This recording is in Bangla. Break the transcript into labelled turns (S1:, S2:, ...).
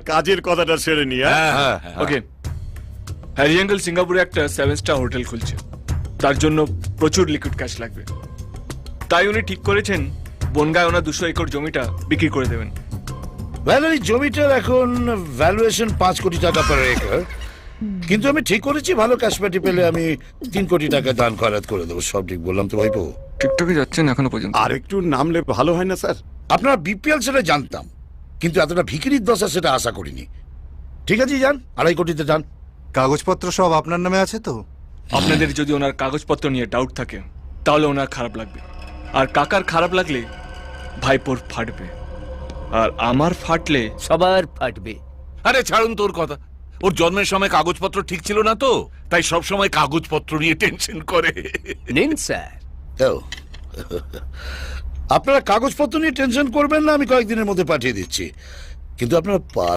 S1: কাজের কথাটা সেরে নি।
S2: ওকে, হ্যারি আঙ্কেল সিঙ্গাপুরে একটা 7 স্টার হোটেল খুলছে, তার জন্য প্রচুর লিকুইড ক্যাশ লাগবে। তাই উনি ঠিক করেছেন বনগায় ওনার 200 একর জমিটা বিক্রি করে দেবেন।
S3: এই জমিটার এখন ভ্যালুয়েশন 5 কোটি টাকা পার একর, কিন্তু আমি ঠিক করেছি ভালো ক্যাশপাটি পেলে আমি 3 কোটি টাকা দান খয়রাত করে দেবো। সব ঠিক বললাম তো ভাইপো?
S2: টিকটকে যাচ্ছেন এখনো পর্যন্ত?
S1: আর একটু নামলে ভালো হয় না স্যার?
S3: আপনারা বিপিএল সেটা জানতাম, কিন্তু এতটা ভিখিরির দশা সেটা আশা করিনি। ঠিক আছে, যান 2.5 কোটিতে যান।
S4: কাগজপত্র সব আপনার নামে আছে তো?
S2: আপনাদের যদি ওনার কাগজপত্র নিয়ে ডাউট থাকে তাহলে ওনার খারাপ লাগবে, আর কাকার খারাপ লাগলে ভাইপোর ফাটবে, আর আমার ফাটলে
S5: সবার ফাটবে।
S6: আরে ছাড়ুন তোর কথা, ওর জন্মের সময় কাগজপত্র ঠিক ছিল না তো, তাই সব সময় কাগজপত্র নিয়ে টেনশন করে।
S5: নিন স্যার।
S3: ও, আপনারা কাগজপত্র নিয়ে টেনশন করবেন না, আমি কয়েকদিনের মধ্যে পাঠিয়ে দিচ্ছি, কিন্তু আপনারা